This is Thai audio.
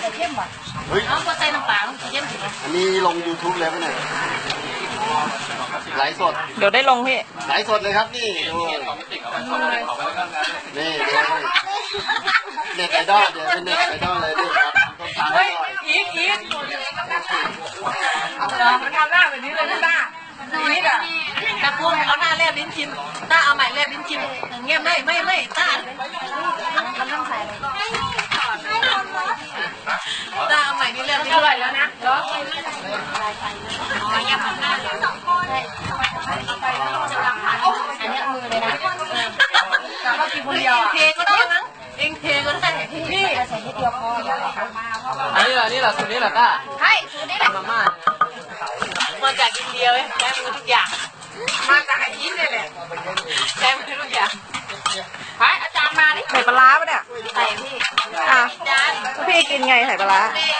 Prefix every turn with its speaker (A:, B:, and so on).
A: เข้มว่ะ
B: เฮ้ย
A: เอาพอใส่น้ำปลาเข้มสิ
B: อันนี้ลง YouTube เลยปะเนี่ยไลฟ์สด
C: เดี๋ยวได้ลงพี่
B: ไลฟ์สดเลยครับนี่ดูนี่เน็ตไอดอลเดี๋ยวเป็นเน็ตไอดอลเลยนี่ครับ
A: เฮ้ยอีกทำหน้าแบบนี้เลยนะต้าอีกอ่ะแต่พวกเอาหน้าแลบลิ้นชิมต้าเอาใหม่แลบลิ้นชิมเงี้ยไม่ต้ามันต้องใส่ต้าเอาใหม่นี่แลบลิ้นชิมแล้วนะเหรออันนี้มือเลยนะแต่ว่ากินคนเดียวเทก็ได้มั้งเองเทก็ได้นี่ใส่นิดเดียวพอ
D: อันนี้แหละสูตรนี้แหละต้า
A: ใช่สูตรนี้แหละ
D: มาม่า
A: มาจากอินเดียเลยใช้มือทุกอย่างมาจากอินเดียเลยใช้มือทุกอย่างไปอาจารย์มาดิ
C: ใส่ปลาร้าปะเนี่ย
A: ใส่พี่
C: อ่ะ
A: อาจารย์
C: พี่กินไงใส่ปลาร้า
A: นี่